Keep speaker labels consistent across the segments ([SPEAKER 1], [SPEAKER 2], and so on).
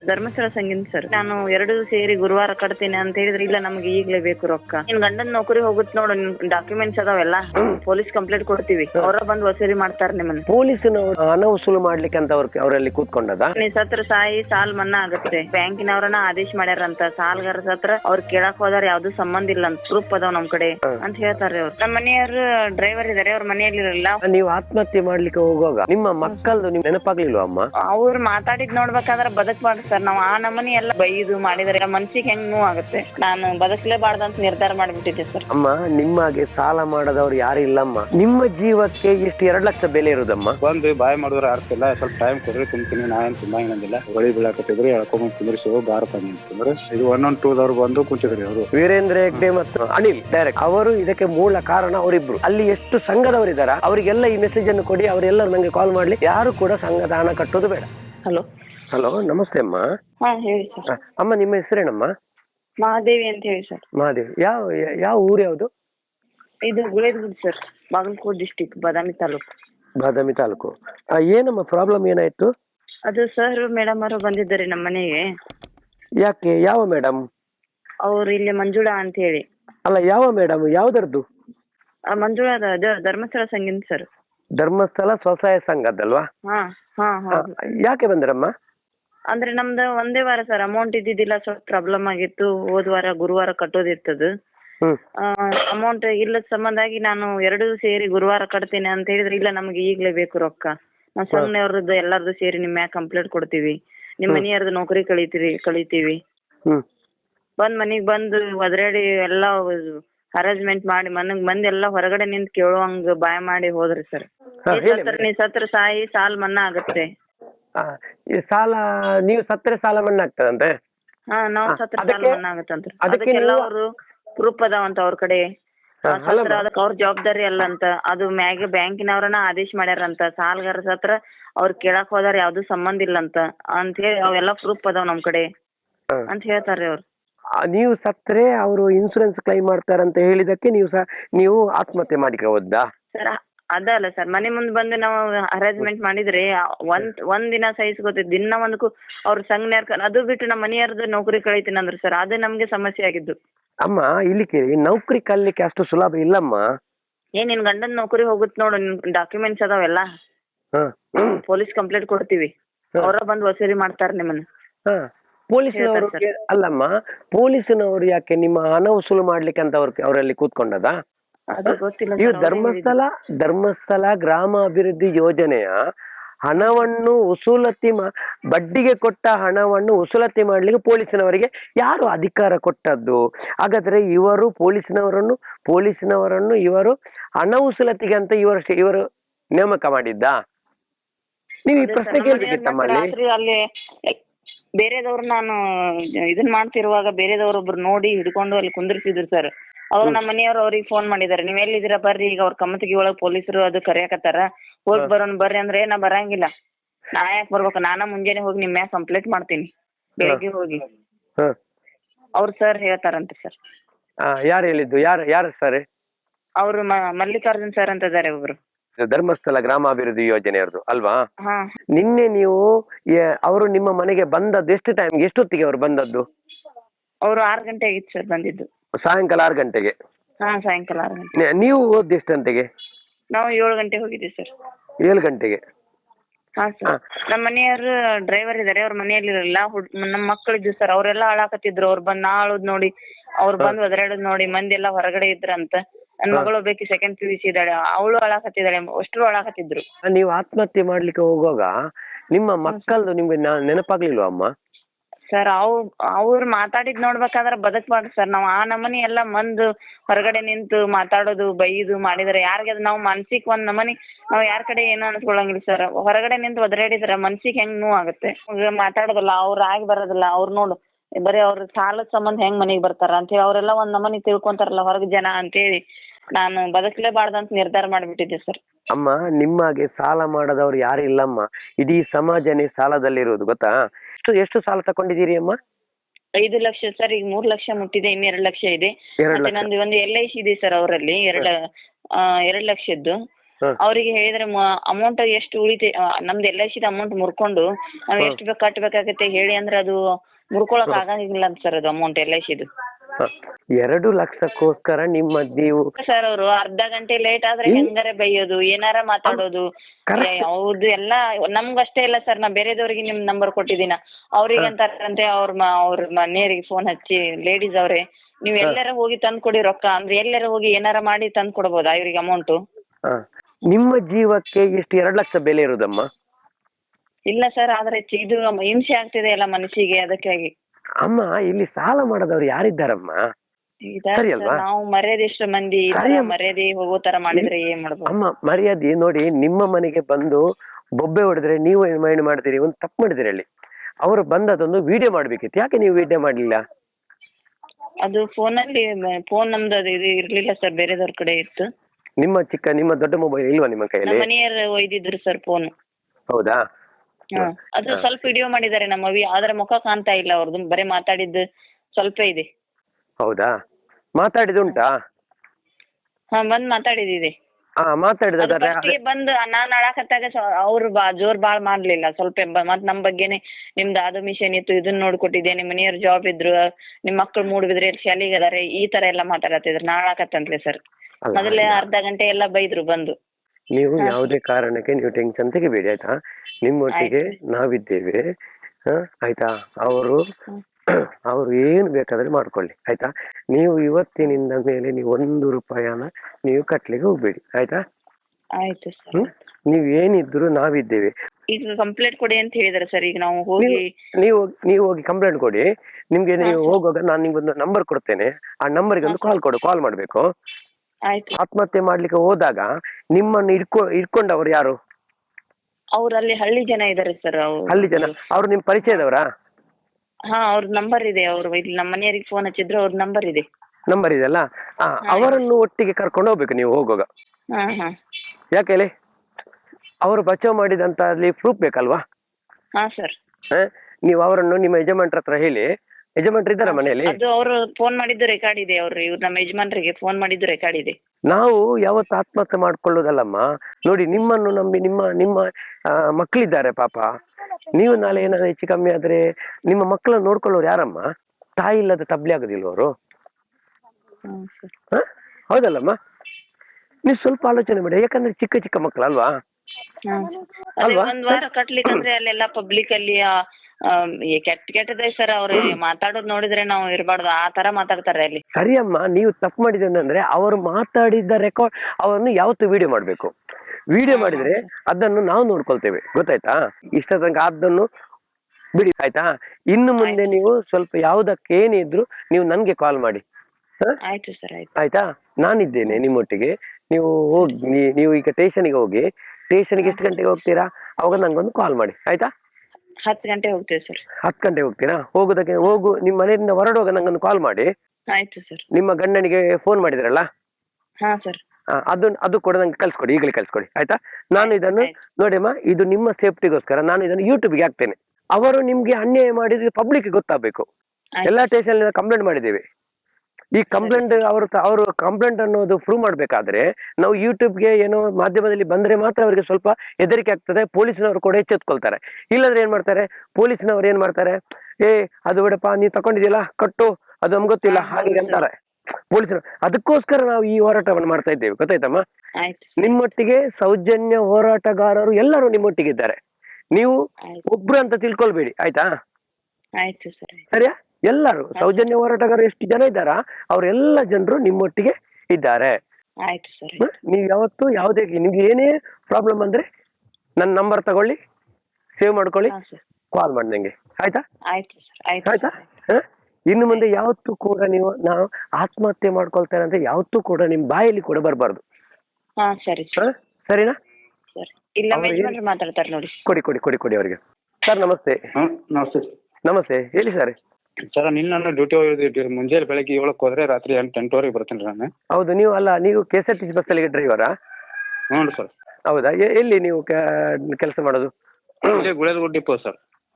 [SPEAKER 1] Dharmasthala Sangeetha sir. ನಾನು ಎರಡು ಸೇರಿ ಗುರುವಾರ ಕಟ್ತೀನಿ ಅಂತ ಹೇಳಿದ್ರೆ, ಇಲ್ಲ ನಮ್ಗೆ ಈಗ್ಲೇ ಬೇಕು ರೊಕ್ಕ. ನಿನ್ ಗಂಡನ್ ನೌಕರಿ ಹೋಗುತ್ತೆ ನೋಡು, ನಿನ್ ಡಾಕ್ಯುಮೆಂಟ್ಸ್ ಅದಾವೆಲ್ಲ ಪೊಲೀಸ್ ಕಂಪ್ಲೇಂಟ್ ಕೊಡ್ತೀವಿ, ಅವರ ಬಂದು ವಸೂಲಿ ಮಾಡ್ತಾರ ನಿಮ್ಮನ್ನ.
[SPEAKER 2] ಪೊಲೀಸನವರು ಹಣ ವಸೂಲು ಮಾಡ್ಲಿಕ್ಕೆ ಅಂತ ಅವರಲ್ಲಿ ಕೂತ್ಕೊಂಡದ.
[SPEAKER 1] ನೀ ಸತ್ರ ಸಾಯಿ ಸಾಲ್ ಮನ್ನಾ ಆಗುತ್ತೆ. ಬ್ಯಾಂಕಿನವ್ರನ್ನ ಆದೇಶ ಮಾಡ್ಯಾರಂತ, ಸಾಲ್ಗಾರ ಸತ್ರ ಅವ್ರು ಕೇಳಕ್ ಹೋದಾರ ಯಾವ್ದು ಸಂಬಂಧ ಇಲ್ಲ ಅಂತ, ಪ್ರೂಫ್ ಅದಾವ್ ನಮ್ ಕಡೆ ಅಂತ ಹೇಳ್ತಾರೆ ಅವ್ರು. ನಮ್ಮ ಮನೆಯವರು ಡ್ರೈವರ್ ಇದಾರೆ, ಅವ್ರ ಮನೆಯಲ್ಲಿ ಇರಲ್ಲ.
[SPEAKER 2] ನೀವು ಆತ್ಮಹತ್ಯೆ ಮಾಡ್ಲಿಕ್ಕೆ ಹೋಗುವಾಗ ನಿಮ್ಮ ಮಕ್ಕಳದು ನಿಮ್ ನೆನಪಾಗ್ಲಿಲ್ವಾ ಅಮ್ಮ?
[SPEAKER 1] ಅವ್ರು ಮಾತಾಡಿದ್ ನೋಡ್ಬೇಕಾದ್ರೆ ಬದುಕ್ಬಾರ್ದು ಸರ್. ನಾವ್ ಆ ನಮನಿ ಎಲ್ಲ ಬೈದು ಮಾಡಿದ್ರೆ ಮನ್ಸಿಗೆ ಹೆಂಗ್ ನೋವು ಆಗುತ್ತೆ. ನಾನು ಬದುಕಲೇಬಾರ್ದಂತ ನಿರ್ಧಾರ ಮಾಡ್ಬಿಟ್ಟಿದ್ದೆ ಸರ್.
[SPEAKER 2] ಅಮ್ಮ, ನಿಮ್ಮಾಗೆ ಸಾಲ ಮಾಡದವ್ರು ಯಾರು ಇಲ್ಲಮ್ಮ. ನಿಮ್ಮ ಜೀವಕ್ಕೆ ಎಷ್ಟು 2 ಲಕ್ಷ ಬೆಲೆ ಇರುದಮ್ಮ.
[SPEAKER 3] ಬಂದು ಬಾಯ್ ಮಾಡಿದ್ರೆ ಅರ್ಥ ಇಲ್ಲ, ಸ್ವಲ್ಪ ಟೈಮ್ ಕೊಡ್ರಿ ತುಂಬ್ತೀನಿ. ನಾವೇನ್ ತುಂಬಾ ಏನಂದಿಲ್ಲ, ಹೊಳಿ ಬೀಳಾಕತ್ತಿದ್ರು ಎಳ್ಕೊಂಡ್ ಕುಂದ್ರಿಸಿ ಬಾರಪ್ಪ ಅಂತಂದ್ರೆ ಇದು 112 ಬಂದು ಕುಂತಿದ್ರಿ ಅವರು.
[SPEAKER 2] ವೀರೇಂದ್ರ ಹೆಗ್ಡೆ ಮತ್ತು ಅನಿಲ್ ಡೈರೆಕ್ಟ್ ಅವರು ಇದಕ್ಕೆ ಮೂಲ ಕಾರಣ. ಅವರಿಬ್ರು ಅಲ್ಲಿ ಎಷ್ಟು ಸಂಘದವರಿದಾರ ಅವರಿಗೆಲ್ಲ ಈ ಮೆಸೇಜ್ ಅನ್ನು ಕೊಡಿ. ಅವರೆಲ್ಲರೂ ನಂಗೆ ಕಾಲ್ ಮಾಡ್ಲಿ. ಯಾರು ಕೂಡ ಸಂಘದ ಹಣ ಕಟ್ಟೋದು ಬೇಡ.
[SPEAKER 1] ಹಲೋ
[SPEAKER 2] ಹಲೋ, ನಮಸ್ತೆ ಅಮ್ಮ.
[SPEAKER 1] ಹಾ ಹೇಳಿ ಸರ್.
[SPEAKER 2] ಅಮ್ಮ, ನಿಮ್ಮ ಹೆಸರೇನಮ್ಮ?
[SPEAKER 1] ಮಹಾದೇವಿ ಅಂತ ಹೇಳಿ ಸರ್.
[SPEAKER 2] ಮಹಾದೇವಿ. ಯಾವ ಊರು ಯಾವುದು?
[SPEAKER 1] ಇದು ಗುಳೇದಗುಡ್ ಸರ್, ಬಾಗಲಕೋಟ್ ಡಿಸ್ಟಿಕ್, ಬಾದಾಮಿ ತಾಲೂಕು.
[SPEAKER 2] ಬಾದಾಮಿ ತಾಲೂಕು. ಏನಮ್ಮ ಪ್ರಾಬ್ಲಮ್ ಏನಾಯ್ತು?
[SPEAKER 1] ಅದು ಸರ್ ಮೇಡಮ್ ಅವರು ಬಂದಿದ್ದಾರೆ ನಮ್ಮ ಮನೆಗೆ.
[SPEAKER 2] ಯಾಕೆ? ಯಾವ ಮೇಡಮ್?
[SPEAKER 1] ಅವ್ರು ಇಲ್ಲಿ ಮಂಜುಳಾ ಅಂತ ಹೇಳಿ.
[SPEAKER 2] ಅಲ್ಲ, ಯಾವ ಮೇಡಮ್? ಯಾವ್ದರ್ದು?
[SPEAKER 1] ಮಂಜುಳಾ ಧರ್ಮಸ್ಥಳ ಸಂಗೀತ ಸರ್.
[SPEAKER 2] ಧರ್ಮಸ್ಥಳ ಸ್ವಸಹಾಯ ಸಂಘದಲ್ವಾ?
[SPEAKER 1] ಹಾ ಹಾ ಹಾ.
[SPEAKER 2] ಯಾಕೆ ಬಂದ್ರಮ್ಮ?
[SPEAKER 1] ಅಂದ್ರೆ ನಮ್ದು ಒಂದೇ ವಾರ ಸರ್, ಅಮೌಂಟ್ ಇದ್ದಿದ್ದಿಲ್ಲ, ಸ್ವಲ್ಪ ಪ್ರಾಬ್ಲಮ್ ಆಗಿತ್ತು. ಹೋದ ವಾರ ಗುರುವಾರ ಕಟ್ಟೋದಿರ್ತದ. ಅಮೌಂಟ್ ಇಲ್ಲದ ಸಂಬಂಧಾಗಿ ನಾನು ಎರಡು ಸೇರಿ ಗುರುವಾರ ಕಟ್ತೀನಿ ಅಂತ ಹೇಳಿದ್ರೆ, ಇಲ್ಲ ನಮ್ಗೆ ಈಗ್ಲೇ ಬೇಕು ರೊಕ್ಕ. ನಾವ್ ಸಂಘನವ್ರದ್ದು ಎಲ್ಲಾರ್ದು ಸೇರಿ ನಿಮ್ ಮ್ಯಾಗ ಕಂಪ್ಲೇಂಟ್ ಕೊಡ್ತೀವಿ, ನಿಮ್ ಮನೆಯವ್ರದ್ದು ನೌಕರಿ ಕಳಿತೀವಿ. ಬಂದ್ ಮನಿಗ್ ಬಂದು ಒದರಾಡಿ ಎಲ್ಲಾ ಅರೇಂಜ್ಮೆಂಟ್ ಮಾಡಿ ಮಂದಿ ಎಲ್ಲಾ ಹೊರಗಡೆ ನಿಂತ್ ಕೇಳುವಂಗ ಬಾಯ್ ಮಾಡಿ ಹೋದ್ರಿ ಸರ್. ನೀ ಸತ್ರ ಸಾಯಿ ಸಾಲ್ ಮನ್ನಾ ಆಗತ್ತೆ.
[SPEAKER 2] ಈ ಸಾಲ ನೀವು ಸತ್ತರೆ ಸಾಲ ಮನ್ನಾ ಆಗ್ತದಂತೆ?
[SPEAKER 1] ಹಾ, ನಾವ್ ಸತ್ರ ಸಾಲ ಮನ್ನಾ ಆಗತ್ತಂತ. ಅದಕ್ಕೆಲ್ಲ ಅವರು ಪ್ರೂಫ್ ಅದಾವಂತ ಅವ್ರ ಕಡೆ. ಸತ್ರ ಅದಕ್ಕೆ ಅವ್ರ ಜವಾಬ್ದಾರಿ ಅಲ್ಲ ಅಂತ. ಅದು ಮ್ಯಾಗೆ ಬ್ಯಾಂಕಿನವ್ರನ್ನ ಆದೇಶ ಮಾಡ್ಯಾರಂತ, ಸಾಲ್ಗಾರ ಸತ್ರ ಅವ್ರ ಕೇಳಕ್ ಹೋದಾರ ಯಾವ್ದು ಸಂಬಂಧ ಇಲ್ಲ ಅಂತ ಹೇಳಿ ಅವೆಲ್ಲ ಪ್ರೂಫ್ ಅದಾವ್ ನಮ್ ಕಡೆ ಅಂತ ಹೇಳ್ತಾರ್ರಿ ಅವ್ರು.
[SPEAKER 2] ನೀವು ಸತ್ರೆ ಅವರು ಇನ್ಸೂರೆನ್ಸ್ ಕ್ಲೈಮ್ ಮಾಡ್ತಾರಂತ ಹೇಳಿದಕ್ಕೆ ನೀವು ಆತ್ಮಹತ್ಯೆ ಮಾಡಿಕೋಬೋದಾ
[SPEAKER 1] ಸರ್? ಅದಲ್ಲ ಸರ್, ಮನೆ ಮುಂದೆ ಬಂದು ನಾವು ಅರೇಂಜ್ಮೆಂಟ್ ಮಾಡಿದ್ರೆ ಒಂದ್ ದಿನ ಸಹಿಸ್ಕೋತಿದ್. ದಿನ ಒಂದಕ್ಕೂ ಅವ್ರ ಸಂಘ ಅದು ಬಿಟ್ಟು ನಮ್ಮ ಮನೆಯವ್ರದ್ದು ನೌಕರಿ ಕಳೀತೀನಿ ಅಂದ್ರು ಸರ್. ಅದು ನಮ್ಗೆ ಸಮಸ್ಯೆ ಆಗಿದ್ದು.
[SPEAKER 2] ಅಮ್ಮ, ಇಲ್ಲಿ ಕೇಳಿ, ನೌಕರಿ ಕಲಿಲಿಕ್ಕೆ ಅಷ್ಟು ಸುಲಭ ಇಲ್ಲಮ್ಮ.
[SPEAKER 1] ನಿನ್ ಗಂಡನ್ ನೌಕರಿ ಹೋಗುತ್ತೆ ನೋಡು, ನಿನ್ ಡಾಕ್ಯುಮೆಂಟ್ಸ್ ಅದಾವೆಲ್ಲ ಪೊಲೀಸ್ ಕಂಪ್ಲೇಂಟ್ ಕೊಡ್ತೀವಿ, ಅವರ ಬಂದು ವಸೂಲಿ ಮಾಡ್ತಾರ ನಿಮ್ಮನ್ನ.
[SPEAKER 2] ಪೊಲೀಸಿನವರು ಅಲ್ಲಮ್ಮ, ಪೊಲೀಸಿನವರು ಯಾಕೆ ನಿಮ್ಮ ಹಣ ವಸೂಲು ಮಾಡ್ಲಿಕ್ಕೆ ಅಂತ ಅವರಲ್ಲಿ ಕೂತ್ಕೊಂಡದ? ಇವು ಧರ್ಮಸ್ಥಳ ಗ್ರಾಮಾಭಿವೃದ್ಧಿ ಯೋಜನೆಯ ಹಣವನ್ನು ಬಡ್ಡಿಗೆ ಕೊಟ್ಟ ಹಣವನ್ನು ವಸೂಲತಿ ಮಾಡ್ಲಿಕ್ಕೆ ಪೊಲೀಸಿನವರಿಗೆ ಯಾರು ಅಧಿಕಾರ ಕೊಟ್ಟದ್ದು? ಹಾಗಾದ್ರೆ ಇವರು ಪೊಲೀಸಿನವರನ್ನು ಇವರು ಹಣ ವಸೂಲತಿಗೆ ಅಂತ ಇವರು ನೇಮಕ ಮಾಡಿದ್ದ? ನೀವು ಈ ಪ್ರಶ್ನೆ ಕೇಳ್ಬೇಕಿತ್ತಮ್ಮ.
[SPEAKER 1] ಅಲ್ಲಿ ಬೇರೆದವ್ರು ನಾನು ಇದನ್ ಮಾಡ್ತಿರುವಾಗ ಬೇರೆದವ್ರೊಬ್ರು ನೋಡಿ ಹಿಡ್ಕೊಂಡು ಅಲ್ಲಿ ಕುಂದಿರ್ಸಿದ್ರು ಸರ್. ಅವಾಗ ನಮ್ಮ ಮನೆಯವ್ರು ಅವ್ರಿಗೆ ಫೋನ್ ಮಾಡಿದಾರೆ, ನೀವ್ ಎಲ್ಲಿದ್ದೀರಾ ಬರ್ರಿ, ಈಗ ಅವ್ರ ಕಮ್ಮತಿಗೆ ಒಳಗ್ ಪೊಲೀಸರು ಅದು ಕರೆಯಕತ್ತಾರ, ಹೋಗಿ ಬರೋಣ ಬರ್ರಿ ಅಂದ್ರೆ, ನಾ ಬರಂಗಿಲ್ಲ, ನಾ ಯಾಕೆ ಬರ್ಬೇಕು, ನಾನ ಮುಂಜಾನೆ ಹೋಗಿ ನಿಮ್ ಮ್ಯಾಗ ಕಂಪ್ಲೇಂಟ್ ಮಾಡ್ತೀನಿ, ಬೆಳಿಗ್ಗೆ ಹೋಗಿ ಅವ್ರು ಸರ್ ಹೇಳ್ತಾರಂತೆ ಸರ್.
[SPEAKER 2] ಯಾರು ಹೇಳಿದ್ದು? ಯಾರು ಸರ್?
[SPEAKER 1] ಅವ್ರು ಮಲ್ಲಿಕಾರ್ಜುನ್ ಸರ್ ಅಂತ ಇದಾರೆ ಒಬ್ರು.
[SPEAKER 2] ಧರ್ಮಸ್ಥಳ ಗ್ರಾಮಾಭಿವೃದ್ಧಿ ಯೋಜನೆಯವ್ರದ್ದು ಅಲ್ವಾ? ನಿನ್ನೆ ನೀವು ಅವರು ನಿಮ್ಮ ಮನೆಗೆ ಬಂದದ್ದು ಎಷ್ಟು ಟೈಮ್, ಎಷ್ಟೊತ್ತಿಗೆ ಅವರು ಬಂದದ್ದು?
[SPEAKER 1] ಅವರು 6 ಗಂಟೆ ಆಗಿತ್ತು ಸರ್ ಬಂದಿದ್ದು.
[SPEAKER 2] ಸಾಯಂಕಾಲ 6 ಗಂಟೆಗೆ?
[SPEAKER 1] ಹಾ, ಸಾಯಂಕಾಲ 6 ಗಂಟೆ.
[SPEAKER 2] ನೀವು ಹೋದ್ ಎಷ್ಟು ಗಂಟೆಗೆ?
[SPEAKER 1] ನಾವು 7 ಗಂಟೆ ಹೋಗಿದ್ದೀವಿ ಸರ್.
[SPEAKER 2] 7 ಗಂಟೆಗೆ?
[SPEAKER 1] ಹಾ ಸರ್. ನಮ್ಮ ಮನೆಯವರು ಡ್ರೈವರ್ ಇದಾರೆ, ಅವ್ರ ಮನೆಯಲ್ಲಿ ಇರಲ್ಲ, ನಮ್ಮ ಮಕ್ಕಳಿದ್ದು ಸರ್. ಅವ್ರೆಲ್ಲ ಹಾಳಾಕತ್ತಿದ್ರು. ಅವ್ರು ಬಂದ್ ನಾ ಅಳುದ್ ನೋಡಿ, ಅವ್ರು ಬಂದು ಒದರಾಡೋದ್ ನೋಡಿ ಮಂದಿ ಎಲ್ಲಾ ಹೊರಗಡೆ ಇದ್ರಂತ. ನನ್ ಮಗಳು ಒಬ್ಬಾಕಿ ಸೆಕೆಂಡ್ PUC ಇದ್ದಾಳೆ, ಅವಳು ಹಾಳಾಕತ್ತಿದ್ದಾಳೆ, ಅಷ್ಟ್ರು ಹಾಳಾಕತ್ತಿದ್ರು.
[SPEAKER 2] ನೀವು ಆತ್ಮಹತ್ಯೆ ಮಾಡ್ಲಿಕ್ಕೆ ಹೋಗುವಾಗ ನಿಮ್ಮ ಮಕ್ಕಳದು ನಿಮ್ಗೆ ನೆನಪಾಗ್ಲಿಲ್ವಾ ಅಮ್ಮ?
[SPEAKER 1] ಸರ್ ಅವ್ರು ಮಾತಾಡಿದ್ ನೋಡ್ಬೇಕಾದ್ರೆ ಬದುಕ್ಬಾರ್ದು ಸರ್. ನಾವ್ ಆ ನಮನಿ ಎಲ್ಲ ಮಂದು ಹೊರಗಡೆ ನಿಂತು ಮಾತಾಡೋದು ಬೈದು ಮಾಡಿದ್ರೆ ಯಾರಿಗೆ ಅದು ನಾವು ಮನ್ಸಿಗೆ ಒಂದ್ ನಮನಿ ನಾವ್ ಯಾರ ಕಡೆ ಏನು ಅನ್ಸ್ಕೊಳಂಗಿಲ್ಲ ಸರ್. ಹೊರಗಡೆ ನಿಂತು ಒದರಾಡಿದ್ರೆ ಮನ್ಸಿಗೆ ಹೆಂಗ್ ನೋವು ಆಗುತ್ತೆ. ಮಾತಾಡೋದಿಲ್ಲ, ಅವ್ರು ಆಗಿ ಬರೋದಿಲ್ಲ. ಅವ್ರು ನೋಡು ಬರೀ ಅವ್ರ ಸಾಲದ ಸಂಬಂಧ ಹೆಂಗ್ ಮನೆಗ್ ಬರ್ತಾರ ಅಂತೇಳಿ ಅವರೆಲ್ಲ ಒಂದ್ ನಮನಿ ತಿಳ್ಕೊಂತಾರಲ್ಲ ಹೊರಗ್ ಜನ ಅಂತೇಳಿ ನಾನು ಬದುಕಲೇಬಾರ್ದಂತ ನಿರ್ಧಾರ ಮಾಡ್ಬಿಟ್ಟಿದ್ದೆ ಸರ್.
[SPEAKER 2] ಅಮ್ಮ, ನಿಮ್ಮಾಗೆ ಸಾಲ ಮಾಡದವ್ರು ಯಾರು ಇಲ್ಲಮ್ಮ. ಇಡೀ ಸಮಾಜನೇ ಸಾಲದಲ್ಲಿರುವುದು ಗೊತ್ತಾ? ಎಷ್ಟು ಸಾಲ ತಕೊಂಡಿದ್ದೀರಿ ಅಮ್ಮ?
[SPEAKER 1] 5 ಲಕ್ಷ ಸರ್. ಈಗ 3 ಲಕ್ಷ ಮುಟ್ಟಿದೆ, ಇನ್ನು 2 ಲಕ್ಷ ಇದೆ. ಮತ್ತೆ ನಂದು ಒಂದು LIC ಇದೆ ಸರ್ ಅವರಲ್ಲಿ, 2 ಲಕ್ಷದ್ದು. ಅವರಿಗೆ ಹೇಳಿದ್ರೆ ಅಮೌಂಟ್ ಎಷ್ಟು ನಮ್ದು LIC ಅಮೌಂಟ್ ಮುರ್ಕೊಂಡು ನಾವ್ ಎಷ್ಟು ಕಟ್ಟಬೇಕಾಗತ್ತೆ ಹೇಳಿ ಅಂದ್ರೆ ಅದು ಮುರ್ಕೊಳಕ್ ಆಗಂಗಿಲ್ಲ ಅಂತ ಸರ್ ಅದು ಅಮೌಂಟ್ LICದು.
[SPEAKER 2] 2 ಲಕ್ಷಕ್ಕೋಸ್ಕರ ನೀವು
[SPEAKER 1] ಸರ್ ಅವರು ಅರ್ಧ ಗಂಟೆ ಲೇಟ್ ಆದ್ರೆ ಹೆಂಗಾರೆ ಬೈಯೋದು, ಏನಾರ ಮಾತಾಡೋದು. ಹೌದು ಎಲ್ಲ ನಮ್ಗಷ್ಟೇ ಇಲ್ಲ ಸರ್, ನಾ ಬೇರೆದವ್ರಿಗೆ ನಿಮ್ ನಂಬರ್ ಕೊಟ್ಟಿದ್ದೀನ. ಅವ್ರಿಗೆ ಅಂತಾರಂತೆ ಅವ್ರ ಮನೆಯವರಿಗೆ ಫೋನ್ ಹಚ್ಚಿ, ಲೇಡೀಸ್ ಅವ್ರೆ ನೀವ್ ಎಲ್ಲಾರ ಹೋಗಿ ತಂದ್ ಕೊಡಿ ರೊಕ್ಕ ಅಂದ್ರೆ ಎಲ್ಲಾರ ಹೋಗಿ ಏನಾರ ಮಾಡಿ ತಂದ್ ಕೊಡ್ಬೋದಾ ಇವ್ರಿಗೆ ಅಮೌಂಟ್?
[SPEAKER 2] ನಿಮ್ಮ ಜೀವಕ್ಕೆ ಎಷ್ಟು 2 ಲಕ್ಷ ಬೆಲೆ ಇರುದಮ್ಮ?
[SPEAKER 1] ಇಲ್ಲ ಸರ್, ಆದ್ರೆ ಇದು ಹಿಂಸೆ ಆಗ್ತಿದೆ ಅಲ್ಲ ಮನಸ್ಸಿಗೆ, ಅದಕ್ಕಾಗಿ.
[SPEAKER 2] ಅಮ್ಮ ಇಲ್ಲಿ ಸಾಲ ಮಾಡೋದವ್ರು ಯಾರಿದ್ದಾರಮ್ಮ? ಸರಿ ಅಲ್ವಾ?
[SPEAKER 1] ನಾವು ಮರ್ಯಾದೆಷ್ಟು ಮಂದಿ ಮರ್ಯಾದೆ ಹೋಗೋ ತರ ಮಾಡಿದ್ರೆ ಏನ್ ಮಾಡ್ಬೋದು
[SPEAKER 2] ಅಮ್ಮ? ಮರ್ಯಾದೆ ನೋಡಿ, ನಿಮ್ಮ ಮನೆಗೆ ಬಂದು ಬೊಬ್ಬೆ ಹೊಡೆದ್ರೆ ನೀವು ಮೈಂಡ್ ಮಾಡ್ತೀರಿ, ಒಂದು ತಪ್ಪು ಮಾಡಿದಿರಿ ಹೇಳಿ. ಅವರು ಬಂದದೊಂದು ವಿಡಿಯೋ ಮಾಡ್ಬೇಕಿತ್ತು, ಯಾಕೆ ನೀವು ವಿಡಿಯೋ ಮಾಡ್ಲಿಲ್ಲ?
[SPEAKER 1] ಅದು ಫೋನ್ ನಮ್ದು ಅದು ಇದು ಇರ್ಲಿಲ್ಲ ಸರ್, ಬೇರೆದವ್ರ ಕಡೆ ಇತ್ತು.
[SPEAKER 2] ನಿಮ್ಮ ದೊಡ್ಡ ಮೊಬೈಲ್ ಇಲ್ವಾ ನಿಮ್ಮ ಕೈಯಲ್ಲಿ?
[SPEAKER 1] ಮನೆಯವರು ಒಯ್ದಿದ್ರು ಸರ್ ಫೋನ್.
[SPEAKER 2] ಹೌದಾ?
[SPEAKER 1] ಅದು ಸ್ವಲ್ಪ ವಿಡಿಯೋ ಮಾಡಿದ್ದಾರೆ ನಮ್ಮವಿ, ಆದ್ರೆ ಮುಖ ಕಾಣ್ತಾ ಇಲ್ಲ ಅವ್ರದ್ದು, ಬರೀ ಮಾತಾಡಿದ್ದು ಸ್ವಲ್ಪ ಇದೆ.
[SPEAKER 2] ಹೌದಾ? ಮಾತಾಡಿದುಂಟಾ?
[SPEAKER 1] ಬಂದ್ ಮಾತಾಡಿದಿದೆ.
[SPEAKER 2] ಮಾತಾಡಿದ್ರೆ
[SPEAKER 1] ಬಂದು ನಾನ್ ಅಳಕತ್ತಾಗ ಅವ್ರು ಜೋರ್ ಬಾಳ್ ಮಾಡ್ಲಿಲ್ಲ, ಸ್ವಲ್ಪ ಮತ್ ನಮ್ ಬಗ್ಗೆನೆ ನಿಮ್ದು ಅದು ಮಿಷನ್ ಇತ್ತು, ಇದನ್ನ ನೋಡ್ಕೊಟ್ಟಿದ್ದೆ, ನಿಮ್ ಮನೆಯವ್ರ ಜಾಬ್ ಇದ್ರು, ನಿಮ್ ಮಕ್ಳು ಮೂಡ್ಬಿದ್ರೆ ಶಾಲಿಗೆ ಅದಾರೆ, ಈ ತರ ಎಲ್ಲಾ ಮಾತಾಡತ್ತಿದ್ರು. ನಾ ಅಳಕತ್ತಂತ್ಲೆ ಸರ್. ಮೊದಲೇ ಅರ್ಧ ಗಂಟೆ ಎಲ್ಲ ಬೈದ್ರು ಬಂದು.
[SPEAKER 2] ನೀವು ಯಾವುದೇ ಕಾರಣಕ್ಕೆ ನೀವು ಟೆನ್ಷನ್ ತೆಗಿಬೇಡಿ ಆಯ್ತಾ? ನಿಮ್ಮೊಟ್ಟಿಗೆ ನಾವಿದ್ದೇವೆ ಆಯ್ತಾ? ಅವರು ಏನು ಬೇಕಾದ್ರೆ ಮಾಡ್ಕೊಳ್ಳಿ ಆಯ್ತಾ? ನೀವು ಇವತ್ತಿನಿಂದ ಮೇಲೆ ನೀವು 1 ರೂಪಾಯಿನ ನೀವು ಕಟ್ಲಿಕ್ಕೆ ಹೋಗ್ಬೇಡಿ ಆಯ್ತಾ?
[SPEAKER 1] ಆಯ್ತು ಸರ್.
[SPEAKER 2] ನೀವ್ ಏನಿದ್ರು ನಾವಿದ್ದೇವೆ.
[SPEAKER 1] ಈಗ ಕಂಪ್ಲೇಂಟ್ ಕೊಡಿ ಅಂತ ಹೇಳಿದಾರೆ ಸರ್. ಈಗ ನಾವು ಹೋಗಿ
[SPEAKER 2] ನೀವು ಹೋಗಿ ಕಂಪ್ಲೇಂಟ್ ಕೊಡಿ. ನಿಮ್ಗೆ ನೀವು ಹೋಗುವಾಗ ನಾನು ನಿಮ್ಗೊಂದು ನಂಬರ್ ಕೊಡ್ತೇನೆ, ಆ ನಂಬರ್ಗೆ ಒಂದು ಕಾಲ್ ಮಾಡ್ಬೇಕು.
[SPEAKER 1] ಆಯ್ತು.
[SPEAKER 2] ಆತ್ಮಹತ್ಯೆ ಮಾಡ್ಲಿಕ್ಕೆ ಹೋದಾಗ ನಿಮ್ಮನ್ನು ಇಟ್ಕೊಂಡವ್ರು ಯಾರು?
[SPEAKER 1] ಅವ್ರು ಅಲ್ಲಿ ಹಳ್ಳಿ ಜನ ಇದಾರೆ ಸರ್.
[SPEAKER 2] ಹಳ್ಳಿ ಜನ ಅವ್ರು ನಿಮ್ ಪರಿಚಯದವರಾ?
[SPEAKER 1] ಅವ್ರ ನಂಬರ್ ಇದೆ. ಅವ್ರು ಇಲ್ಲಿ ನಮ್ಮ ಮನೆಯವರಿಗೆ ಫೋನ್ ಹಚ್ಚಿದ್ರು, ಅವ್ರ ನಂಬರ್ ಇದೆ.
[SPEAKER 2] ನಂಬರ್ ಇದೆ ಅಲ್ಲ? ಅವರನ್ನು ಒಟ್ಟಿಗೆ ಕರ್ಕೊಂಡು ಹೋಗ್ಬೇಕು ನೀವು ಹೋಗುವಾಗ. ಯಾಕೆ ಹೇಳಿ? ಅವರು ಬಚಾವ್ ಮಾಡಿದಂತ ಅಲ್ಲಿ ಪ್ರೂಫ್ ಬೇಕಲ್ವಾ?
[SPEAKER 1] ಸರ್.
[SPEAKER 2] ನೀವು ಅವರನ್ನು ನಿಮ್ಮ ಯಜಮಾನ್ರ ಹತ್ರ ಹೇಳಿ. ಯಜಮಾನ್ರು ಇದ್ದಾರ ಮನೆಯಲ್ಲಿ?
[SPEAKER 1] ಅದು ಅವರು ಫೋನ್ ಮಾಡಿದ್ದು ರೆಕಾರ್ಡ್ ಇದೆ. ಇವ್ರು ನಮ್ಮ ಯಜಮಾನ್ರಿಗೆ ಫೋನ್ ಮಾಡಿದ್ದು ರೆಕಾರ್ಡ್ ಇದೆ.
[SPEAKER 2] ನಾವು ಯಾವತ್ತು ಆತ್ಮಹತ್ಯೆ ಮಾಡ್ಕೊಳ್ಳೋದಲ್ಲಮ್ಮ. ನೋಡಿ, ನಿಮ್ಮನ್ನು ನಂಬಿ ನಿಮ್ಮ ಮಕ್ಕಳಿದ್ದಾರೆ ಪಾಪ. ನೀವು ನಾಳೆ ಏನಾದ್ರು ಹೆಚ್ಚು ಕಮ್ಮಿ ಆದ್ರೆ ನಿಮ್ಮ ಮಕ್ಕಳನ್ನ ನೋಡ್ಕೊಳ್ಳೋರು ಯಾರಮ್ಮ? ತಾಯಿ ಇಲ್ಲದ ತಬ್ಲಿ ಆಗೋದಿಲ್ವರು? ಹೌದಲ್ಲಮ್ಮ? ನೀವು ಸ್ವಲ್ಪ ಆಲೋಚನೆ ಮಾಡಿ. ಯಾಕಂದ್ರೆ ಚಿಕ್ಕ ಮಕ್ಕಳಲ್ವಾ?
[SPEAKER 1] ಒಂದ್ ವಾರ ಕಟ್ಲಿಕ್ಕೆ ಅಂದ್ರೆ ಅಲ್ಲೆಲ್ಲ ಪಬ್ಲಿಕ್ ಅಲ್ಲಿ ಕೆಟ್ಟದೇ ಸರ್. ಅವ್ರು ಮಾತಾಡೋದು ನೋಡಿದ್ರೆ ನಾವು ಇರಬಾರ್ದು, ಆ ತರ ಮಾತಾಡ್ತಾರೆ ಅಲ್ಲಿ.
[SPEAKER 2] ಸರಿಯಮ್ಮ, ನೀವು ತಪ್ಪು ಮಾಡಿದ್ರೆ ಅವರು ಮಾತಾಡಿದ ರೆಕಾರ್ಡ್ ಅವನ್ನು ಯಾವತ್ತು ವಿಡಿಯೋ ಮಾಡ್ಬೇಕು. ವಿಡಿಯೋ ಮಾಡಿದ್ರೆ ಅದನ್ನು ನಾವು ನೋಡ್ಕೊಳ್ತೇವೆ, ಗೊತ್ತಾಯ್ತಾ? ಇಷ್ಟ ತನಕ ಅದನ್ನು ಬಿಡಿ ಆಯ್ತಾ? ಇನ್ನು ಮುಂದೆ ನೀವು ಸ್ವಲ್ಪ ಯಾವುದಕ್ಕೆ ಏನೇ ಇದ್ರು ನೀವು ನನ್ಗೆ ಕಾಲ್ ಮಾಡಿ.
[SPEAKER 1] ಆಯ್ತು ಸರ್.
[SPEAKER 2] ಆಯ್ತಾ? ನಾನಿದ್ದೇನೆ ನಿಮ್ಮೊಟ್ಟಿಗೆ. ನೀವು ಹೋಗಿ, ನೀವು ಈಗ ಸ್ಟೇಷನ್ಗೆ ಹೋಗಿ. ಸ್ಟೇಷನ್ಗೆ ಎಷ್ಟು ಗಂಟೆಗೆ ಹೋಗ್ತೀರಾ? ಅವಾಗ ನಂಗೊಂದು ಕಾಲ್ ಮಾಡಿ ಆಯ್ತಾ?
[SPEAKER 1] 10 ಗಂಟೆ ಹೋಗ್ತೇವೆ ಸರ್.
[SPEAKER 2] 10 ಗಂಟೆ ಹೋಗ್ತೀರಾ? ನಿಮ್ಮ ಮನೆಯಿಂದ ಹೊರಡುವಾಗ ನಂಗೊಂದು ಕಾಲ್ ಮಾಡಿ.
[SPEAKER 1] ಆಯ್ತು ಸರ್.
[SPEAKER 2] ನಿಮ್ಮ ಗಂಡನಿಗೆ ಫೋನ್ ಮಾಡಿದ್ರಲ್ಲ?
[SPEAKER 1] ಸರ್.
[SPEAKER 2] ಅದು ಕೂಡ ನಂಗೆ ಕಳ್ಸ್ಕೊಡಿ, ಈಗಲೇ ಕಳ್ಸ್ಕೊಡಿ ಆಯ್ತಾ? ನಾನು ಇದನ್ನು ನೋಡಿಮ್ಮ, ಇದು ನಿಮ್ಮ ಸೇಫ್ಟಿಗೋಸ್ಕರ ನಾನು ಇದನ್ನು ಯೂಟ್ಯೂಬ್ಗೆ ಹಾಕ್ತೇನೆ. ಅವರು ನಿಮ್ಗೆ ಅನ್ಯಾಯ ಮಾಡಿದ್ರೆ ಪಬ್ಲಿಕ್ ಗೊತ್ತಾಗಬೇಕು. ಎಲ್ಲಾ ಸ್ಟೇಷನ್ ಕಂಪ್ಲೇಂಟ್ ಮಾಡಿದ್ದೇವೆ. ಈ ಕಂಪ್ಲೇಂಟ್ ಅವರು ಕಂಪ್ಲೇಂಟ್ ಅನ್ನೋದು ಪ್ರೂವ್ ಮಾಡ್ಬೇಕಾದ್ರೆ ನಾವು ಯೂಟ್ಯೂಬ್ಗೆ ಏನೋ ಮಾಧ್ಯಮದಲ್ಲಿ ಬಂದ್ರೆ ಮಾತ್ರ ಅವರಿಗೆ ಸ್ವಲ್ಪ ಹೆದರಿಕೆ ಆಗ್ತದೆ. ಪೊಲೀಸ್ನವರು ಕೂಡ ಎಚ್ಚೆತ್ಕೊಳ್ತಾರೆ. ಇಲ್ಲಾಂದ್ರೆ ಏನ್ ಮಾಡ್ತಾರೆ, ಪೊಲೀಸ್ನವ್ರು ಏನ್ ಮಾಡ್ತಾರೆ, ಅದು ಬಿಡಪ್ಪ, ನೀವ್ ತಕೊಂಡಿದ್ಯಲ್ಲ ಕಟ್ಟು, ಅದು ನಮ್ಗೆ ಗೊತ್ತಿಲ್ಲ ಹಾಗೆ ಅಂತಾರೆ ಪೊಲೀಸರು. ಅದಕ್ಕೋಸ್ಕರ ನಾವು ಈ ಹೋರಾಟವನ್ನು ಮಾಡ್ತಾ ಇದ್ದೇವೆ, ಗೊತ್ತಾಯ್ತಮ್ಮ? ನಿಮ್ಮೊಟ್ಟಿಗೆ ಸೌಜನ್ಯ ಹೋರಾಟಗಾರರು ಎಲ್ಲರೂ ನಿಮ್ಮೊಟ್ಟಿಗೆ ಇದ್ದಾರೆ. ನೀವು ಒಬ್ರು ಅಂತ ತಿಳ್ಕೊಳ್ಬೇಡಿ ಆಯ್ತಾ?
[SPEAKER 1] ಆಯ್ತು ಸರ್.
[SPEAKER 2] ಸರಿಯಾ? ಎಲ್ಲರೂ ಸೌಜನ್ಯ ಹೋರಾಟಗಾರರು ಎಷ್ಟು ಜನ ಇದ್ದಾರಾ ಅವರೆಲ್ಲ ಜನರು ನಿಮ್ಮೊಟ್ಟಿಗೆ ಇದ್ದಾರೆ.
[SPEAKER 1] ಆಯ್ತು ಸರ್.
[SPEAKER 2] ನೀವು ಯಾವತ್ತು ಯಾವುದೇ ನಿಮ್ಗೆ ಏನೇ ಪ್ರಾಬ್ಲಮ್ ಅಂದ್ರೆ ನನ್ನ ನಂಬರ್ ತಗೊಳ್ಳಿ, ಸೇವ್ ಮಾಡ್ಕೊಳ್ಳಿ, ಕಾಲ್ ಮಾಡಿ ನಂಗೆ ಆಯ್ತಾ?
[SPEAKER 1] ಆಯ್ತು ಸರ್.
[SPEAKER 2] ಆಯ್ತಾ? ಇನ್ನು ಮುಂದೆ ಯಾವತ್ತೂ ಕೂಡ ನಾವು ಆತ್ಮಹತ್ಯೆ ಮಾಡ್ಕೊಳ್ತೇನೆ ಅಂತ ಯಾವತ್ತೂ ಕೂಡ ನಿಮ್ ಬಾಯಲ್ಲಿ ಕೂಡ ಬರಬಾರ್ದು.
[SPEAKER 1] ಸರಿ
[SPEAKER 2] ಸರಿನಾ?
[SPEAKER 1] ಇಲ್ಲ, ಮಾತಾಡ್ತಾರೆ ನೋಡಿ.
[SPEAKER 2] ಕೊಡಿ ಅವರಿಗೆ. ಸರ್ ನಮಸ್ತೆ. ನಮಸ್ತೆ, ಹೇಳಿ ಸರ್.
[SPEAKER 3] ಸರ್, ನಿನ್ನ ಡ್ಯೂಟಿ ಮುಂಜಾನೆ ಬೆಳಗ್ಗೆ 7ಕ್ಕೆ ಹೋದ್ರೆ ರಾತ್ರಿ 8-8ವರೆಗೆ ಬರ್ತೀನಿ ನಾನು. ಹೌದು.
[SPEAKER 2] ನೀವು KSRTC ಬಸ್ಸಲ್ಲಿ ಡ್ರೈವರಾ?
[SPEAKER 3] ಹ್ಞೂ ಸರ್.
[SPEAKER 2] ಹೌದಾ? ಎಲ್ಲಿ ನೀವು ಕೆಲಸ ಮಾಡೋದು?
[SPEAKER 3] ಗುಳೇದಗುಡ್ಡಿ ಸರ್.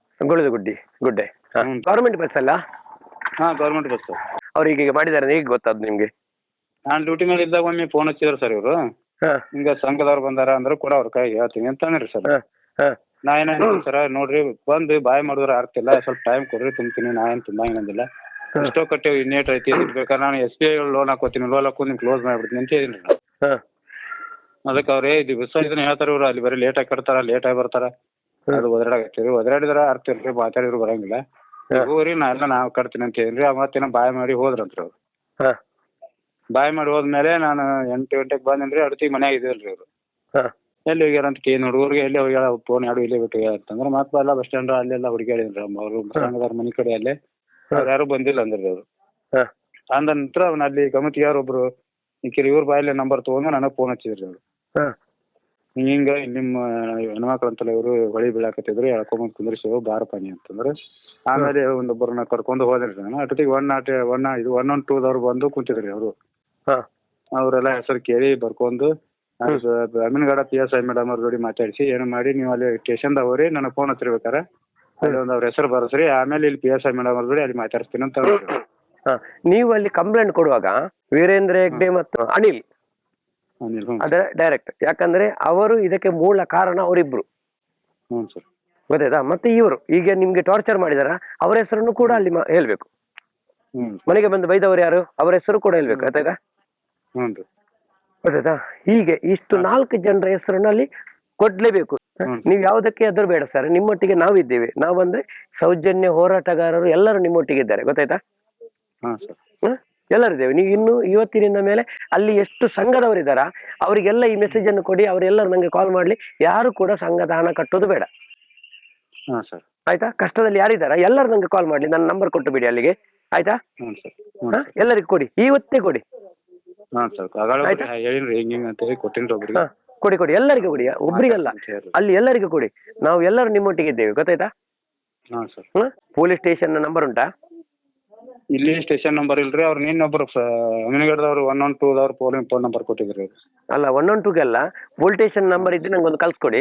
[SPEAKER 3] ಗುಡ್ಡೆ.
[SPEAKER 2] ಗವರ್ಮೆಂಟ್ ಬಸ್ ಅಲ್ಲ?
[SPEAKER 3] Government bus sir.
[SPEAKER 2] ಅವ್ರು ಈಗ ಮಾಡಿದ್ದಾರೆ, ಹೇಗೆ ಗೊತ್ತಾದ್ ನಿಮ್ಗೆ?
[SPEAKER 3] ನಾನು ಡ್ಯೂಟಿ ಮೇಲೆ ಇದ್ದಾಗ ಒಮ್ಮೆ ಫೋನ್ ಹಚ್ಚಿದ್ರು ಸರ್ ಇವರು.
[SPEAKER 2] ಹಾ
[SPEAKER 3] ಹಿಂಗ ಸಂಘದವ್ರು ಬಂದಾರ ಅಂದ್ರೆ ಕೂಡ ಅವ್ರ ಕೈಗೆ ಹೇಳ್ತೀನಿ ಅಂತ ಅಂದ್ರಿ ಸರ್.
[SPEAKER 2] ಹಾ ಹಾ
[SPEAKER 3] ನಾ ಏನ ಸರ್ ನೋಡ್ರಿ ಬಂದು ಬಾಯ್ ಮಾಡಿದ್ರೆ ಆಗ್ತಿಲ್ಲ, ಸ್ವಲ್ಪ ಟೈಮ್ ಕೊಡ್ರಿ ತುಂಬ್ತೀನಿ, ನಾ ಏನು ತುಂಬ ಏನಂದಿಲ್ಲ. ಎಷ್ಟೋ ಕಟ್ಟೇವಿ ಇನ್ನೇಟ್ ಐತಿ ಬೇಕಾದ್ರೆ ನಾನು SBI ಲೋನ್ ಹಾಕೋತೀನಿ, ಲೋನ್ ಹಾಕೊಂಡು ನಿಮ್ಗೆ ಕ್ಲೋಸ್ ಮಾಡಿಬಿಡ್ತೀನಿ ಅಂತ ಹೇಳಿದ್ರಿ ನಾನು.
[SPEAKER 2] ಹಾ
[SPEAKER 3] ಅದಕ್ಕೆ ಅವ್ರು ದಿವಸ ಇದನ್ನ ಹೇಳ್ತಾರೆ ಇವ್ರು, ಅಲ್ಲಿ ಬರೀ ಲೇಟಾಗಿ ಕಟ್ತಾರ, ಲೇಟಾಗಿ ಬರ್ತಾರ, ಅದು ಒದರಾಡಕತ್ತೀವಿ, ಒದರಾಡಿದ್ರೆ ಅರ್ತಿಲ್ರಿ, ಮಾತಾಡಿದ್ರು ಬರಂಗಿಲ್ಲ, ಹೋಗ್ರಿ ನಾವು ಕಟ್ತೀನಿ ಅಂತ ಹೇಳಿದ್ರಿ. ಮತ್ತೇನೋ ಬಾಯ್ ಮಾಡಿ ಹೋದ್ರಂತ್ರಿ ಅವ್ರು.
[SPEAKER 2] ಹಾ
[SPEAKER 3] ಬಾಯ್ ಮಾಡಿ ಹೋದ್ಮೇಲೆ ನಾನು 8 ಗಂಟೆಗೆ ಬಂದೇನ್ರಿ, ಅಡ್ತಿ ಮನ್ಯಾಗ ಇದಿಲ್ರಿ ಅವ್ರು.
[SPEAKER 2] ಹಾ
[SPEAKER 3] ಎಲ್ಲಿ ಹೋಗ್ಯಾರ ಅಂತ ಕೇಳಿ ಹುಡುಗರಿಗೆ ಎಲ್ಲಿ ಹೋಗ್ಯಾರ ಫೋನ್ ಯಾರು ಇಲ್ಲೇ ಬಿಟ್ಟು ಅಂತಂದ್ರೆ ಮತ್ತೆ ಎಲ್ಲ ಬಸ್ ಸ್ಟ್ಯಾಂಡ್ ಅಲ್ಲೆಲ್ಲ ಹುಡುಗಾಡಿದ್ರಿ ಅವರು ಸಂಘದವ್ರ ಮನೆ ಕಡೆ ಅಲ್ಲೇ. ಅವ್ರು ಯಾರು ಬಂದಿಲ್ಲ ಅಂದ್ರಿ ಅವರು.
[SPEAKER 2] ಹಾ
[SPEAKER 3] ಅಂದ ನಂತರ ಅವ್ನ ಅಲ್ಲಿ ಗಮತಿ ಯಾರೊಬ್ರು ಇವ್ರ ಬಾಯಲ್ಲೇ ನಂಬರ್ ತೊಗೊಂಡು ನನಗೆ ಫೋನ್ ಹಚ್ಚಿದ್ರಿ ಅವರು.
[SPEAKER 2] ಹಾ
[SPEAKER 3] ಹಿಂಗ ನಿಮ್ಮ ಹೆಣ್ಮಕ್ಳು ಅಂತಲ್ಲ ಇವರು ಹೊಳಿ ಬೀಳಾಕತ್ತಿದ್ರು, ಎಳ್ಕೊಂಬಂದು ಕುಂದ್ರಿಸಿ ಬಾರಪ್ಪ ನೀ ಅಂತಂದ್ರೆ ಆಮೇಲೆ ಒಂದೊಬ್ಬರನ್ನ ಕರ್ಕೊಂಡು ಹೋದ್ರಿ ನಾನು. ಅಷ್ಟೊತ್ತಿಗೆ 112 ಬಂದು ಕುಂತಿದ್ರಿ ಅವರು.
[SPEAKER 2] ಹಾ
[SPEAKER 3] ಅವರೆಲ್ಲ ಹೆಸರು ಕೇಳಿ ಬರ್ಕೊಂಡು ಅಮೀನ್ಗಡ PSI ಮೇಡಮ್ ಅವ್ರ ಜೋಡಿ ಮಾತಾಡಿಸಿ ಏನು ಮಾಡಿ ನೀವು ಅಲ್ಲಿ ಸ್ಟೇಷನ್ದಾಗ ಹೋಗ್ರಿ, ನನಗೆ ಫೋನ್ ಹಚ್ಚಿರ್ಬೇಕಾರೆ ಅಲ್ಲಿ ಒಂದು ಅವ್ರ ಹೆಸರು ಬರಸ್ರಿ, ಆಮೇಲೆ ಇಲ್ಲಿ PSI ಮೇಡಮ್ ಅವ್ರ ಜೋಡಿ ಅಲ್ಲಿ ಮಾತಾಡ್ತೀನಿ ಅಂತ ಹೇಳಿದ್ರು.
[SPEAKER 2] ಹಾ ನೀವು ಅಲ್ಲಿ ಕಂಪ್ಲೇಂಟ್ ಕೊಡುವಾಗ ವೀರೇಂದ್ರ ಹೆಗ್ಡೆ ಮತ್ತು ಅನಿಲ್ ಅದೇ ಡೈರೆಕ್ಟ್, ಯಾಕಂದ್ರೆ ಅವರು ಇದಕ್ಕೆ ಮೂಲ ಕಾರಣ ಅವರಿಬ್ರು.
[SPEAKER 3] ಹ್ಞೂ ಸರ್.
[SPEAKER 2] ಗೊತ್ತಾಯ್ತಾ? ಮತ್ತೆ ಇವರು ಈಗ ನಿಮ್ಗೆ ಟಾರ್ಚರ್ ಮಾಡಿದಾರ, ಅವರ ಹೆಸರನ್ನು ಕೂಡ ಅಲ್ಲಿ ಹೇಳ್ಬೇಕು.
[SPEAKER 3] ಹ್ಞೂ
[SPEAKER 2] ಮನೆಗೆ ಬಂದು ಬೈದವರು ಯಾರು, ಅವರ ಹೆಸರು ಕೂಡ ಹೇಳ್ಬೇಕು. ಗೊತ್ತಾಯ್ತಾ?
[SPEAKER 3] ಹ್ಞೂ ರೀ.
[SPEAKER 2] ಗೊತ್ತಾಯ್ತಾ? ಹೀಗೆ ಇಷ್ಟು 4 ಜನರ ಹೆಸರನ್ನು ಅಲ್ಲಿ ಕೊಡ್ಲೇಬೇಕು. ನೀವು ಯಾವುದಕ್ಕೆ ಅದ್ರ ಬೇಡ ಸರ್, ನಿಮ್ಮೊಟ್ಟಿಗೆ ನಾವಿದ್ದೇವೆ. ನಾವಂದ್ರೆ ಸೌಜನ್ಯ ಹೋರಾಟಗಾರರು ಎಲ್ಲರೂ ನಿಮ್ಮೊಟ್ಟಿಗೆ ಇದ್ದಾರೆ. ಗೊತ್ತಾಯ್ತಾ?
[SPEAKER 3] ಹಾಂ ಸರ್.
[SPEAKER 2] ಎಲ್ಲರಿದ್ದೇವೆ. ನೀವು ಇನ್ನು ಇವತ್ತಿನಿಂದ ಮೇಲೆ ಅಲ್ಲಿ ಎಷ್ಟು ಸಂಘದವರಿದ್ದಾರ ಅವರಿಗೆಲ್ಲ ಈ ಮೆಸೇಜ್ ಅನ್ನು ಕೊಡಿ, ಅವರೆಲ್ಲರೂ ನಂಗೆ ಕಾಲ್ ಮಾಡ್ಲಿ. ಯಾರು ಕೂಡ ಸಂಘದ ಹಣ ಕಟ್ಟೋದು ಬೇಡ.
[SPEAKER 3] ಹಾಂ ಸರ್.
[SPEAKER 2] ಆಯ್ತಾ? ಕಷ್ಟದಲ್ಲಿ ಯಾರಿದ್ದಾರ ಎಲ್ಲರೂ ನಂಗೆ ಕಾಲ್ ಮಾಡ್ಲಿ, ನನ್ನ ನಂಬರ್ ಕೊಟ್ಟು ಬಿಡಿ ಅಲ್ಲಿಗೆ. ಆಯ್ತಾ?
[SPEAKER 3] ಹ್ಞೂ ಸರ್.
[SPEAKER 2] ಎಲ್ಲರಿಗೂ ಕೊಡಿ, ಇವತ್ತೇ ಕೊಡಿ.
[SPEAKER 3] ಹಾಂ ಸರ್. ಹೇಳಿನ್ರಿ ಹಿಂಗೆ ಅಂತ ಹೇಳಿ ಕೊಟ್ಟಿನ್ರಿ ಒಬ್ರಿಗೆ.
[SPEAKER 2] ಕೊಡಿ ಕೊಡಿ, ಎಲ್ಲರಿಗೂ ಕೊಡಿ, ಒಬ್ರಿಗಲ್ಲ, ಅಲ್ಲಿ ಎಲ್ಲರಿಗೂ ಕೊಡಿ. ನಾವು ಎಲ್ಲರೂ ನಿಮ್ಮೊಟ್ಟಿಗೆ ಇದ್ದೇವೆ. ಗೊತ್ತಾಯ್ತಾ?
[SPEAKER 3] ಹಾಂ ಸರ್.
[SPEAKER 2] ಪೊಲೀಸ್ ಸ್ಟೇಷನ್ ನಂಬರ್ ಉಂಟಾ?
[SPEAKER 3] ಇಲ್ಲಿ ಸ್ಟೇಷನ್ ನಂಬರ್ ಇಲ್ರಿ, ಅವ್ರು ನಿನ್ನೊಬ್ರು ಅಮೀನ್ಗಡದವ್ರು 112 ಫೋನ್ ನಂಬರ್ ಕೊಟ್ಟಿದ್ರಿ ಅವ್ರು.
[SPEAKER 2] ಅಲ್ಲ 112 ಅಲ್ಲ, ಪೊಲೀಸ್ ಸ್ಟೇಷನ್ ನಂಬರ್ ಇದ್ರೆ ನಂಗೆ ಒಂದು ಕಳ್ಸ್ಕೊಡಿ.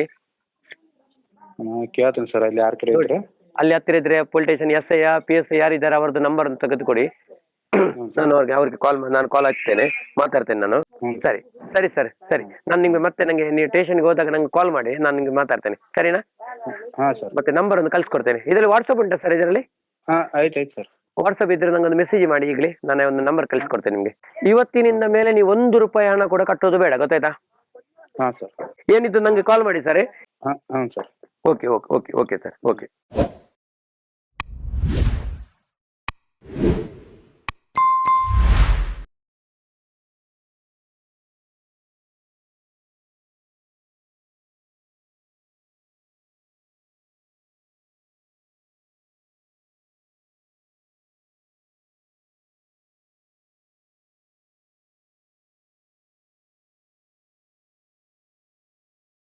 [SPEAKER 3] ಕೇಳ್ತೀನಿ ಸರ್, ಅಲ್ಲಿ ಯಾರ ಕಡೆ ಇದ್ರೆ
[SPEAKER 2] ಅಲ್ಲಿ ಹತ್ತಿರ ಇದ್ರೆ ಪೊಲೀಸ್ ಸ್ಟೇಷನ್ SI PSI ಯಾರಿದ್ದಾರೆ ಅವ್ರದ್ದು ನಂಬರ್ ತೆಗೆದುಕೊಡಿ. ನಾನು ಅವ್ರಿಗೆ ನಾನು ಕಾಲ್ ಹಚ್ತೇನೆ, ಮಾತಾಡ್ತೇನೆ ನಾನು. ಸರಿ ಸರಿ ಸರ್, ಸರಿ. ನಾನು ನಿಮ್ಗೆ ಮತ್ತೆ ನಂಗೆ ನೀವು ಸ್ಟೇಷನ್ಗೆ ಹೋದಾಗ ನಂಗೆ ಕಾಲ್ ಮಾಡಿ, ನಾನು ನಿಮ್ಗೆ ಮಾತಾಡ್ತೇನೆ. ಸರಿನಾ?
[SPEAKER 3] ಹಾಂ ಸರ್.
[SPEAKER 2] ಮತ್ತೆ ನಂಬರ್ ಒಂದು ಕಳ್ಸಿಕೊಡ್ತೇನೆ. ಇದರಲ್ಲಿ ವಾಟ್ಸಪ್ ಉಂಟಾ ಸರ್? ಇದರಲ್ಲಿ
[SPEAKER 3] ಹಾಂ ಆಯ್ತು ಸರ್.
[SPEAKER 2] ವಾಟ್ಸಪ್ ಇದ್ರೆ ನಂಗೊಂದು ಮೆಸೇಜ್ ಮಾಡಿ ಈಗಲೇ, ನಾನು ಒಂದು ನಂಬರ್ ಕಳ್ಸಿಕೊಡ್ತೇನೆ ನಿಮಗೆ. ಇವತ್ತಿನಿಂದ ಮೇಲೆ ನೀವು 1 ರೂಪಾಯಿ ಹಣ ಕೂಡ ಕಟ್ಟೋದು ಬೇಡ. ಗೊತ್ತಾಯ್ತಾ?
[SPEAKER 3] ಹಾಂ ಸರ್.
[SPEAKER 2] ಏನಿದ್ದು ನಂಗೆ ಕಾಲ್ ಮಾಡಿ ಸರ್.
[SPEAKER 3] ಹಾಂ ಹಾಂ sir.
[SPEAKER 2] Okay okay okay okay sir, okay.